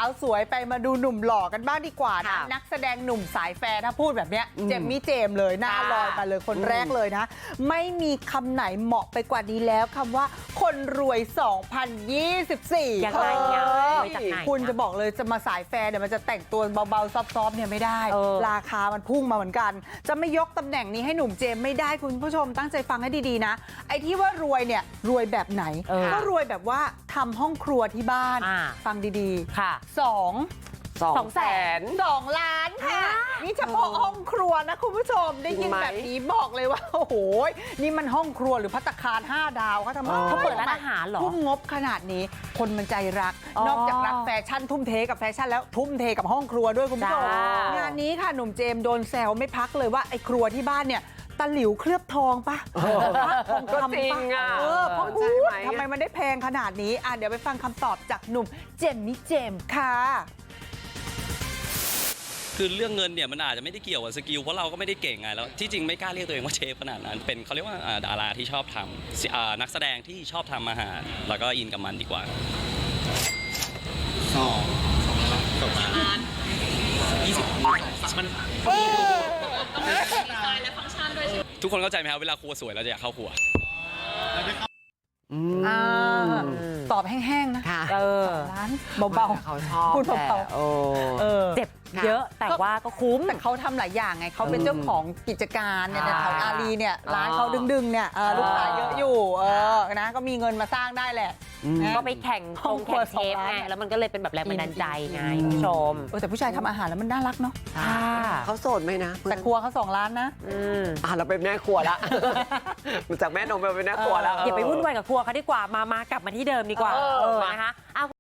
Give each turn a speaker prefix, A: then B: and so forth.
A: าวสวยไปมาดูหนุ่มหล่อกันบ้างดีกว่านะนักแสดงหนุ่มสายแฟร์ถ้าพูดแบบเนี้ยเจมมี่เจมส์เลยหน้าลอยมาเลยคนแรกเลยนะไม่มีคำไหนเหมาะไปกว่านี้แล้วคำว่าคนรวย 2024
B: ยังไงเนี่ย
A: คุณจะบอกเลยจะมาสายแฟร์เนี่ยมันจะแต่งตัวเบาๆซอฟๆเนี่ยไม่ได้ราคามันพุ่งมาเหมือนกันจะไม่ยกตำแหน่งนี้ให้หนุ่มเจมส์ไม่ได้คุณผู้ชมตั้งใจฟังให้ดีๆนะไอ้ที่ว่ารวยเนี่ยรวยแบบไหนก็รวยแบบว่าทำห้องครัวที่บ้านฟังดีๆ
B: ค่ะ
A: 2 ล้านค่ะนี่เฉพาะห้องครัวนะคุณผู้ชมได้ยินแบบนี้บอกเลยว่าโอ้โหนี่มันห้องครัวหรือภัตตาคาร5 ดาวเขาทำ
B: เขาเปิดร้านอาหารเหรอ
A: ทุ่มงบขนาดนี้คนมันใจรักนอกจากรักแฟชั่นทุ่มเทกับแฟชั่นแล้วทุ่มเทกับห้องครัวด้วยคุณผู้ชมงานนี้ค่ะหนุ่มเจมส์โดนแซวไม่พักเลยว่าไอ้ครัวที่บ้านเนี่ยตะหลิวเคลือบทองปะทองคำปะเพราะพูดทำไมมันได้แพงขนาดนี้เดี๋ยวไปฟังคำตอบจากหนุ่มเจมมี่เจมส์ค่ะ
C: คือเรื่องเงินเนี่ยมันอาจจะไม่ได้เกี่ยวกับสกิลเพราะเราก็ไม่ได้เก่งไงแล้วที่จริงไม่กล้าเรียกตัวเองว่าเชฟขนาดนั้นเป็นเขาเรียกว่าดาราที่ชอบทำนักแสดงที่ชอบทำอาหารแล้วก็อินกับมันดีกว่า2 ล้าน20มันทุกคนเข้าใจไหมครับเวลาครัวสวยเราจะอยากเข้าครัว
A: ตอบแห้งๆนะ2 ล้านเบาๆ
B: เขาชอบ
A: พูดเบา
B: เจ็บเยอะแต่ว่าก็คุ้ม
A: แต่เขาทำหลายอย่างไงเขาเป็นเจ้าของกิจการเนี่ยแถวอารีเนี่ยร้านเขาดึงๆเนี่ยลูกค้าเยอะอยู่นะก็มีเงินมาสร้างได้แหละ
B: ก็ไปแข่งเชฟไงแล้วมันก็เลยเป็นแบบแรงบันดาลใจไงคุณผู้ชม
A: แต่ผู้ชายทำอาหารแล้วมันน่ารักเนาะ
D: เขาโสดไหมนะ
A: แต่ครัวเขา2 ล้านนะ
D: เราเป็นแม่ครัวละจากแม่นมเป็นแม่ครัวแล้ว
B: อย่าไปวุ่นวายกับครัวเขาดีกว่ามากลับมาที่เดิมดีกว่านะคะ